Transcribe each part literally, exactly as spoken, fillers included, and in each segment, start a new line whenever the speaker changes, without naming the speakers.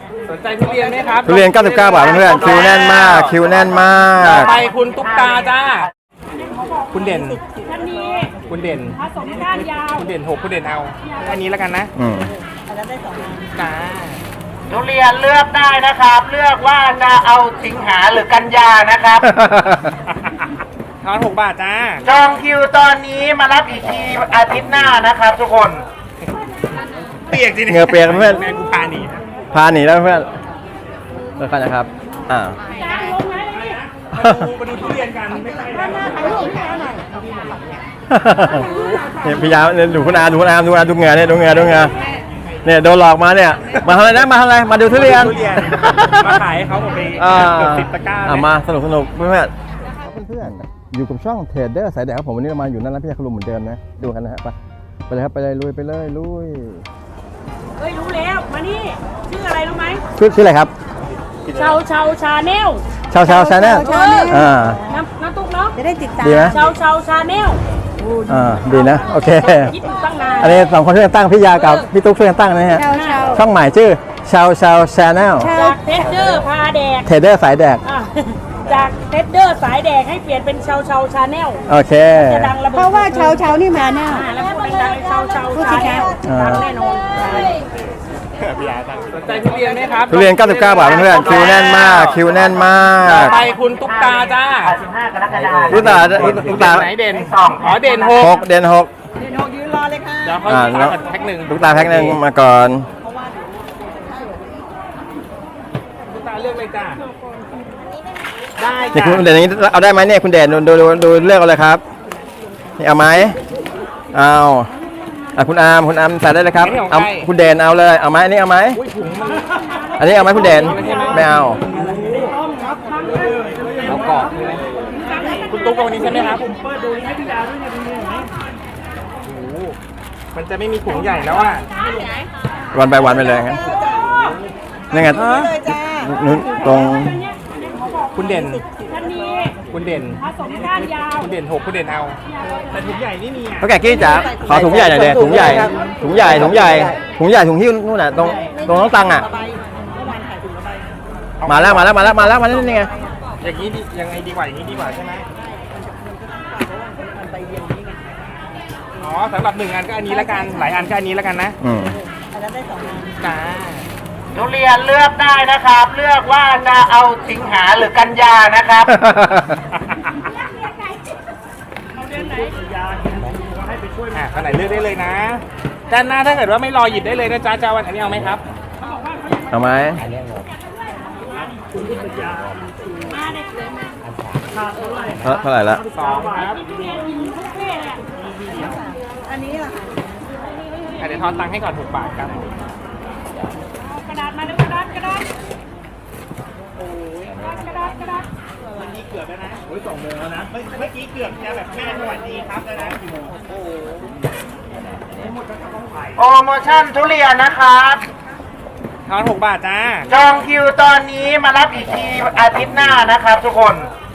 สนใจทุเรียนไหมครับ
ทุเรียนเก้าสิบเก้าบาทเพื่อนคิวแน่นมากคิวแน่นมาก
ไปคุณตุ๊กตาจ้าคุณเด่นคุณเด่น
ผสมก้านยาว
คุณเด่นหกคุณเด่นเอาอันนี้แล้วกันนะ
อืม
จ้า
ทุเรียนเลือกได้นะครับ เลือกว่าจะเอาสิงหาหรือกันยานะครับ
ทอนหกบาทจ้า
จองคิวตอนนี้มารับอีกทีอาทิตย์หน้านะครับทุกคน
เปียกจริง
เงือเปียกเพื่อน
แม่กูพาหนี
พาหนีแล้วเพื่อนเพื่อนนะครับอ่า
มาดูทุเรียนกันไม่ใช่
เนี่ยพยายามเนี่ยดูคุณอาดูคุณอาดูคุณอาดูเงือเนี่ยดูเงือดูเงือเนี่ยโดนหลอกมาเนี่ยมาทำอะไรนะมาทำอะไรมาดูทุเรียน
มาขายเขาหมดไปเกือบสิบตะกร้า
มาสนุกสนุกเพื่อนเพื่อนอยู่กับช่องเทรดเดอร์สายแดดครับผมวันนี้เรามาอยู่นั่นแล้วพี่ยาคุณลุงเหมือนเดิมนะดูกันนะฮะไปไปเลยครับไปเลยลุยไปเลยลุย
เฮ้ยรู้แล้วมานี่ชื่ออะไรรู้ไหม
ชื่อชื่ออะไรครับ
ชาวชาวชาแนล
ชาวชาวชาแนลอ่า
น้ำน้ำตุ๊กเนาะ
จะได้ติดตาม
ดีไหม
ชาวชาวชาแนล
อ่าดีนะโอเค
คิดตั้งนาน
อันนี้สองคนช่วยกันตั้งพี่ยากับพี่ตุ๊กช่วยกันตั้งนะฮะช่องใหม่ชื่อชาวชาวชาแนล
จากเทสเดอร์พาแดก
เทรดเดอร์สายแดก
จากเทสเดอร์สายแดกให้เปลี่ยนเป็นชาวชาวชาแนล
โอเค
จะดังระเบิด
เพราะว่าชาวชาวนี่มาแน่
แล้วพูดดังๆชาวชาวชาแนลดังแน่นอน
สนใจทุเรียนไหมครับ
ทุเรียนเก้าสิบเก้าบาทเพื่อนคิวแน่นมากคิวแน่นมาก
ไปคุณตุ๊กตาจ้า
ตุ๊กตาตุ๊กตา
ไหนเด่นอ๋อเด่นหก
เด่นหก
เด่นหกยืนรอเลยค่ะ
เดี๋ยวเขาตุ๊กตาแพ็คหนึ่ง
ตุ๊กตาแพ็คหนึ่งมาก่อน
ตุ๊กตาเลือกเลยจ้าได้
จ้าคุณเด่นนี้เอาได้ไหมเนี่ยคุณเด่นดูดูดูเลือกเอาเลยครับนี่เอาไหมเอาอ่ะคุณอามคุณอามใส่ได้เลยครับเอาคุณเด่นเอาเลยเอาไหมอันนี้เอาไหมอันนี้เอาไหมคุณเด่นไม่เอา
เอากรอบคุณตุ๊กวันนี้ใช่ไหมครับผมเปิดดูให้พี่ยาด้วยเนี่ยดูไหมโอ้มันจะไม่มีถุงใหญ่แล้วอ่ะ
วันไปวันไปเลยงั้นนี่ไงนู้นตรง
คุณเด่นคุณเด่นผสมก้านยาวคุณเด่นหกคุณเด่นเอาแต่ถุงใหญ่นี่มีอ่ะ
เขาแก่กี้จ๋าขอถุงใหญ่หน่อยเด็ถุงใหญ่ถุงใหญ่ถุงใหญ่ถุงใหญ่ถุงที่นู่นน่ะตรงตรงน้องตังอ่ะมาแล้วมาแล้วมาแล้วมาแล้วมาแล้วนี่ไง
อย่างนี้ยังไงดีกว่าอย่างนี้ดีกว่าใช่ไหมอ๋อสำหรับหนึ่งอันก็อันนี้ละกันหลายอันก็อันนี้ละกันนะ
อืม
จ้า
ทุเรียนเลือกได้นะครับ เลือกว่าจะเอาสิงหาหรือกันยานะครับ
อ่ะขนาดเลือกได้เลยนะด้านหน้าถ้าเกิดว่าไม่รอหยิบได้เลยนะจ๊ะจ้าวันอันนี้เอาไหมครับ
เอาไหมเท่าไหร่ละ
สองครับ
อันนี้ล่ะ
เดี๋ยวทอนตังค์ให้ก่อนหกบาทครับ
กระดาษมาดูกระดาษกระดาษโอ้ยกระดาษกระดาษ
วันนี้เกือบแล้วนะโอ้ยสองโมงแล้วนะเมื่อกี้เกือบจะแบบแม่สวัสดีครับแล้วนะกี่โมงโอ้โห
โปรโมชั่นทุเรียนนะครับ
ทอนหกบาทจ้า
จองคิวตอนนี้มารับอีกทีอาทิตย์หน้านะครับทุกคน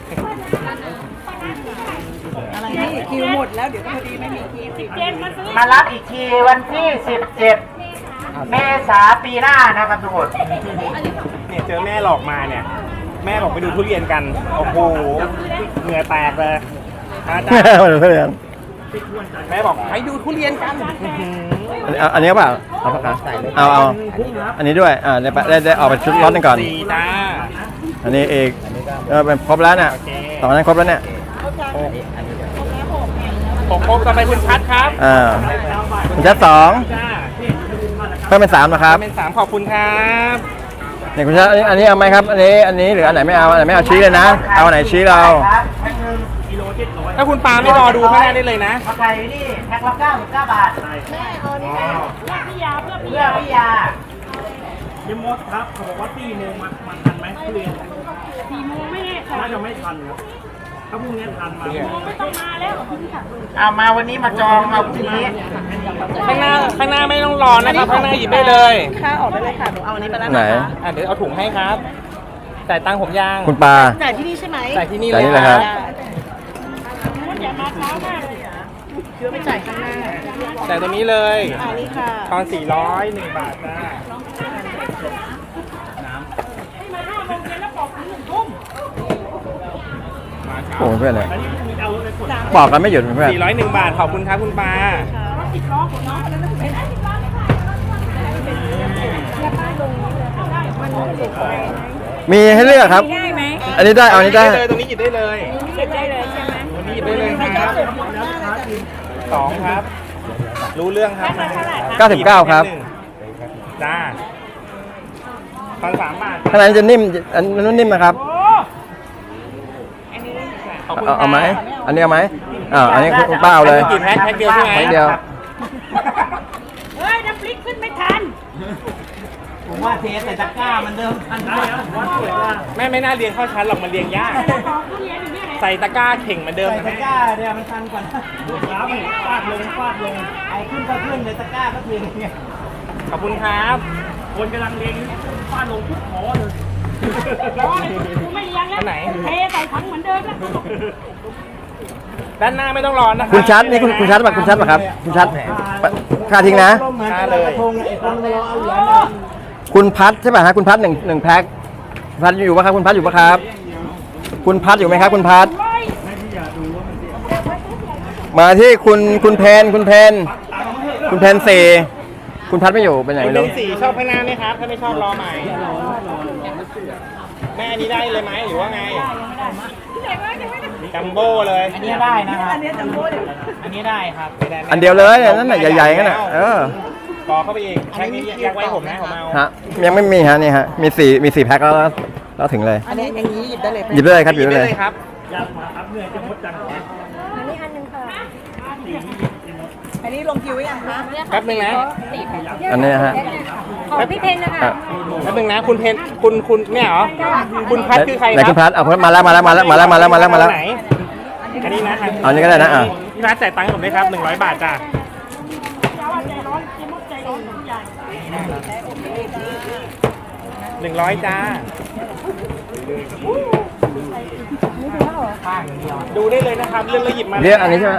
อะไรนี่คิวหมดแล้วเดี๋ยวพอดีไม่มีคิวสิบเจ็ดมาซื้อ
มารับอีกทีวันที่สิบเจ็ดเมษาปีหน้านะครับทุกคน
เนี่ยเจอแม่หลอกมาเนี่ยแม่บอกไปดูทุเรียนกันโอ้โหเหงื่อแตกเลย
แม่มาดูทุเรียน
แม่บอกให้ดูทุเรียนกัน
อันนี้เปล่าเอาปากกาเอาเอาอันนี้ด้วยอ่าได้ได้ได้ออกไปชุดร้อนกันก่อนอันนี้เอกเออเป็นครบแล้วเนี่ยสองนั้นครบแล้วเนี่ย
หกครบต่อไปคุณชัดครับ
อ่าคุณชัดสองเพิ่มเป็นสามนะครับ
เป็นสามขอบคุณครับ
เนี่ยคุณชัดอันนี้เอาไหมครับอันนี้อันนี้หรืออันไหนไม่เอาอันไหนไม่เอาชี้เลยนะเอาอันไหนชี้เรา
ถ้าคุณปาไม่รอดูข้างหน้าได้เลยนะ
ไข่นี่แพ็คละเก้าสิบเก้าบาท
แม่เอานี่เพื่อพี่ยาเพื่อพี่
ยาพี่ยา
เยี่ยมมดครับเขาบอกว่าสี่โมงมามาทันไหมทุเรียน
สี่โมงไม่แน่
น่าจะไม่ทันครับถ้าพรุ่งนี้ทันมา
ไม่ต้องมาแล้ว
เอามาวันนี้มาจองเอาพรุ่งนี้
ข้างหน้าข้างหน้าไม่ต้องรอนะครับข้างหน้าหยิบได้เลย
ค่าออกได้เลยค่ะหนูเอาอันนี้ไปแล้ว
ไหน
อ่ะเดี๋ยวเอาถุงให้ครับจ่ายตังค์ผมยัง
คุณปา
จ่ายที่นี่ใช่ไหม
จ่ายที่นี่เลย
ครับ
อย่ามาเช้ามากเลยเชื่อไม่จ่ายข้างหน้า
จ่ายตัวนี้เลย
อันนี้ค่ะ
ทอนสี่ร้อยหนึ่งบาทนะ
โอ้เพื่อนเลยบอกกันไม่หยุดเพื่อน
สี่ร้อยหนึ่งบาทขอบคุณครับคุณปา
สิบล้อของน้องแล้วนะเป็นสิบล้อเลยค่ะแล้วป้าลงได้มันเด็กไป
มีให้เลือกครับ
ได้ไหม
อันนี้ได้เอาอันนี้ได้
เลยตรงนี้หยิบได้เลย
เก็บได้เลยใช่ไหม
ตรงนี้หยิบได้เลยครับสองครับ รู้เรื่องครับ
เก้าสิบเก้าครับ
จ้าพันสามบาท
ข้างในจะนิ่มอันนู้นนิ่มนะครับ
โอ้อันนี้
ขอบคุณ
เอาเอาไหม
ครับ
อันนี้เอาไหมอ่าอันนี้คุณป้าเอาเลย
กี่แพ็คแพ็คเดียวใช่ไหม
แพ็คเดียว
เฮ้ยน้ำพริกขึ้นไม่ทัน
ผมว่าเทใส่ตะกร้ามันเดิมทันได้แล้วผมว่าสวยว่า
แม่ไม่น่าเรียงเข้าชั้นหรอกมันเรียงยาก
ของทุเรียนอยู่เนี่ย
ใส่ตะกร้าเข่งเหมือนเดิม
ใส่
นะ
ตะ
แม่
กร้าเนี่ยมันทันกว่าครับฟาดลงฟาดลงไอ้ขึ้นก็ขึ้นเลยตะกร้าก็ขึ้นเนี่ย
ขอบคุณครับ
คนกำลังเรียงฟาดลงทุกขอเลย
ร้อยกูไม่เลี้ยงแล้วเทใส่ถังเหมือนเดิมแล้ว
ด้านหน้าไม่ต้องรอนะ
คุณชัดนี่คุณคุณชัดป่ะคุณชัดป่ะครับ คุณชัดค่าทิ้งนะ
เหมือนกระทงไอ้คนมารอเอาเหรียญเลย
คุณพัดใช่ป่ะฮะคุณพัดหนึ่งหนึ่งแพ็คพัดอยู่ป่ะครับคุณพัดอยู่ป่ะครับ คุณพัดอยู่ไหมครับ คุณพัด
ร้อย
มาที่คุณคุณเพนคุณเพนคุณเพนเซคุณพัดไม่อยู่เป็นไหน
คุณ
ไม่
เป็
รู้
นสีชอบข้างหน้าไหมครับ ถ้าไม่ชอบรอใหม่ แม่อันนี้ได้เลยไหมหรือว่าไง จัมโบ้เลย
อันนี้ได้นะครับอันนี้จำพูดอันนี้ได้ครับ
อันเดียวเลยนั่นน่ะใหญ่ๆนั่นน่ะเออ
ต่อเข้าไปอีกแพ็คนี้ยักไว้ผมนะผมเอา
ฮะยังไม่มีฮะนี่ฮะมีสี่มีสี่แพ็คแล้วแล้วถึงเลย
อันนี้อย่างนี้หยิบได้เลย
หยิบได้เลยครับหยิบได้เลย
ครับ
อันนี้อันหนึ่งค่ะ
อันนี้ลงคิวไว้ยังคะ
แป๊บนึงนะ
อันนี้ฮะ
ของพี่เพนนะคะ
อ่ะ
แป๊บนึงนะ คุณเพนคุณคุณเนี่ยเหรอ คุณพัดคือใคร
ไหน
ครั
คุณพัดเอามาแล้วมาแล้วมาแล้วมาแล้วมาแล้วมาแล้วมาแล้ว
ไหนอันนี้นะ
เอาอันนี้ก็ได้นะอ่ะ
พี่พัดจ่ายตังค์ให้ผมด้วยครับหนึ่งร้อยบาทจ้ะ
เจ้าใจร้อนกินมุกใจร้อนใหญ่
หนึ่งร้อยจ้า ดูได้เลยนะครับเรื่องแล้วหยิบมา
เรียกอันนี้ใช่ไหม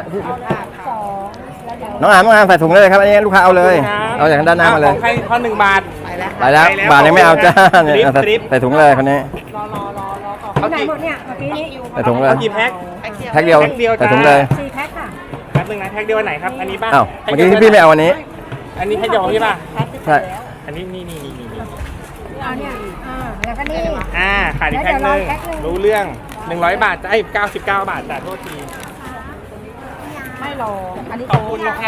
น้องอามน้องอามใส่ถุงเลยครับอันนี้ลูกค้าเอาเลยเอาจากด้านหน้ามาเลย
ของใครทอนหนึ่งบาท
ไปแล้ว
ไปแล้วบาทยังไม่เอาจ้าเนี่ย
สลิป
ใส่
สลิป
ใส่ถุงเลยคนนี้
เขา
ไหน
กี่
หมดเนี่ยเมื่อกี้นี้
ใส่ถุงเลย
เขากี่แพ็ค
แพ็คเดียว
แพ็คเดียวจ้า
ใส่ถุงเลย
สี่แพ็คค่ะ
แป๊บนึงนะแพ็คเดียวอันไหนครับ อันนี้ป่ะ
อ้าวเมื่อกี้ที่พี่ไม่เอาอันนี้
อันนี้แพ็คเดียวของพี่ป่ะ
ใช่
อันนี้นี่นี่นี่นี่นี่
เอาเนี่ยอ่าแล้วก็นี่
อ่าขาดอีกแพ็คหนึงรู้เรื่องหนึ่งร้อยบาทจ้ะไอ้เก้าสิบเก้าบาทจ้ะโทษที
ไม่รออันนี้
ขอบคุณค่ะ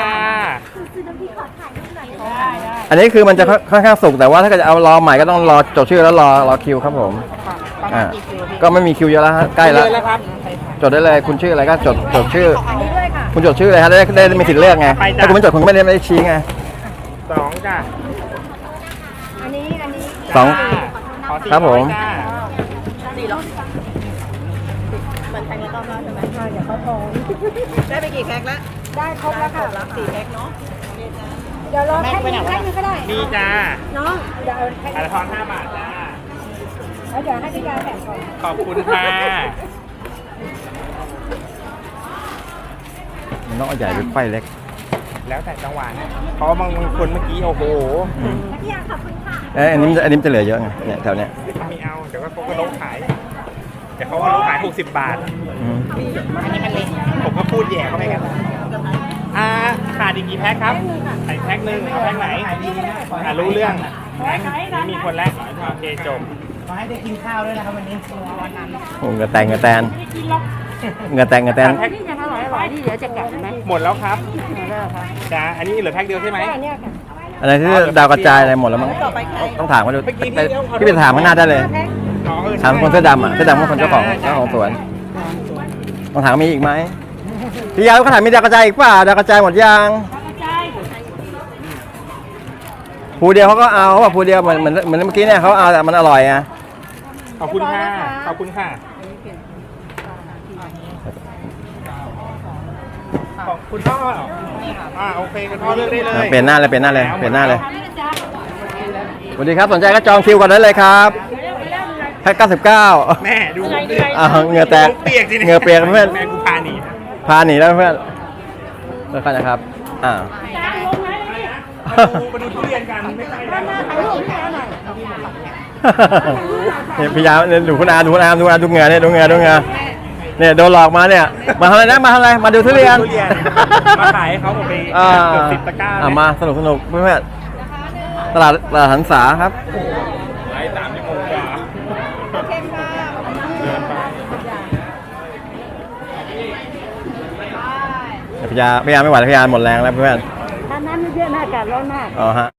ได้ได้
อันนี้คือมันจะค่อนข้างสุกแต่ว่าถ้าเกิดจะเอารอใหม่ก็ต้องรอจดชื่อแล้วรอรอคิวครับผมอ่าก็ไม่มีคิวเยอะแล้วฮะใกล้แล้ว
เลยแล้วครับ
จดได้เลยคุณชื่ออะไรก็จดจดชื่อ
อันนี้ด้วยค่ะ
คุณจดชื่อเลยฮะได้ได้ได้มีสิทธิ์เลือกไงถ้าคุณไม่จดคุณก็ไม่ได้ไม่ได้ชี้ไง
สองจ้ะ
อันนี้อันนี้
สอง
จ้าขอสี่
ครับผม
อยจ้า
สี่หรอเหมือนแพ็คละรอบแล้วใช่ไหม
อ่าเดี๋ยวเขาโทร
ได้ไปกี่แพ็คแล้ว
ได้ครบแล้วค่ะ
สี่แพ็คเนาะ
เดี๋ยวรอแพ็คหนึงแพ็คหนึงก็ได้
มีจ้า
น้องเดี๋ยวเอาแพ็ค
อันละทอนห้าบาทจ้า
แล้วเดี๋ยวให้พี่ยาแถมก่อน
ขอบคุณค่ะ
มันต้องเอาใหญ่หรือไฟเล็ก
แล้วแต่จังหวะนะเพราะบางคนเมื่อกี้โอ้โห
พี่ยาขอบคุณค่ะ
เอ้ยอันนี้มันจะอันนี้มันจะเหลือเยอะไงเนี่ยแถวเนี้ย
ไม่เอาเดี๋ยวก็เขาก็ลดขายเดี๋ยวเขาก็ลดขายหกสิบบาท
อืม
อันนี้มันเล็กผมก็พูดแย่เข้าไปกันอ่าขาดอีกกี่แพ็คครับใส่แพ็คหนึ่งเอาแพ็คไหนอ่ารู้เรื่องนี่มีคนแรกโอเคจบ
ขอให้ได้กินข้าวด้วยนะครับวันนี้วันนั้น
โอ้เหงือแตงเหงือแตน
ไม่กินหรอก
เหงือแตงเหงือแตน
แพ็ค
นี่ยังอร่อยอร่อยนี่เดี๋ยวจะแกะไหม
หมดแล้วครับ
เลิกค่ะ
จ้าอันนี้เหลือแพ็คเดียวใช่ไหม
ได้เนี่ยค่ะ
อะไรที่ดาวกระจายอะไรหมดแล้วมั้ง
ต่อไปใคร
ต้องถามเขาดูไปพี่ไปถามข้างหน้าได้เลย
แพ็ค
อ๋อเออ
ถามคนเสื้อดำอ่ะเสื้อดำก็คนเจ้าของเจ้าของสวนต้องถามมีอีกไหมพี่ยาวเขาถามมีดาวกระจายอีกเปล่าดาวกระจายหมดยัง
กระจาย
ภูเดียวเขาก็เอาเขาบอกภูเดียวเหมือนเหมือนเหมือนเมื่อกี้เนี่ยเขาเอาแต่มันอร่อยอ่ะ
ขอบคุณค่ะขอบคุณค่ะขอบคุณพ่ออ่าโอเคคุณพ่อเลือกได้เลย
เปลี่ยนหน้าเลยเปลี่ยนหน้าเลยเปลี่ยนหน้าเลย
นี่นะจ๊ะ
สวัสดีครับสนใจก็จองคิวก่อนได้เลยครับแพ็คเก้าสิบเก้า
แม่ดูผมดิ
อ้าวเหงื่อแตก
เปียกจริง
เหงื่อเปียกเพื่อน
แม่กูพาหนี
พาหนีแล้วเพื่อนเลิกกันนะครับอ่า
จ้าลงไหมเลย
มาดูทุเรียนกันไม่ใช่
ด้านหน้าถ่ายรูปให้เอาหน่อย
เนี่ยพี่ยาวเนี่ยดูคุณอาดูคุณอาดูอาดูเหงื่อเนี่ยดูเหงื่อดูเหงื่อเนี่ยโดนหลอกมาเนี่ย มาทำอะไรนะมาทำอะไรมาดูทุเรียน
ทุเรียนมาขายให้เขาหมดไป
อ่า
เกือบสิบตะกร้า
อ่ะ
เลย
มาสนุกสนุกเพื่อนๆตลาดตลาดหันษาครับ
ไลฟ์สามชั่วโมงกว่า
เข้มมาก
เดินไป
พยาพยาไม่ไหวแล้วพยาหมดแรงแล้วเพื่อน
ถ้าน้ำเยอะๆนะอากาศร้อนมาก
อ๋อฮะ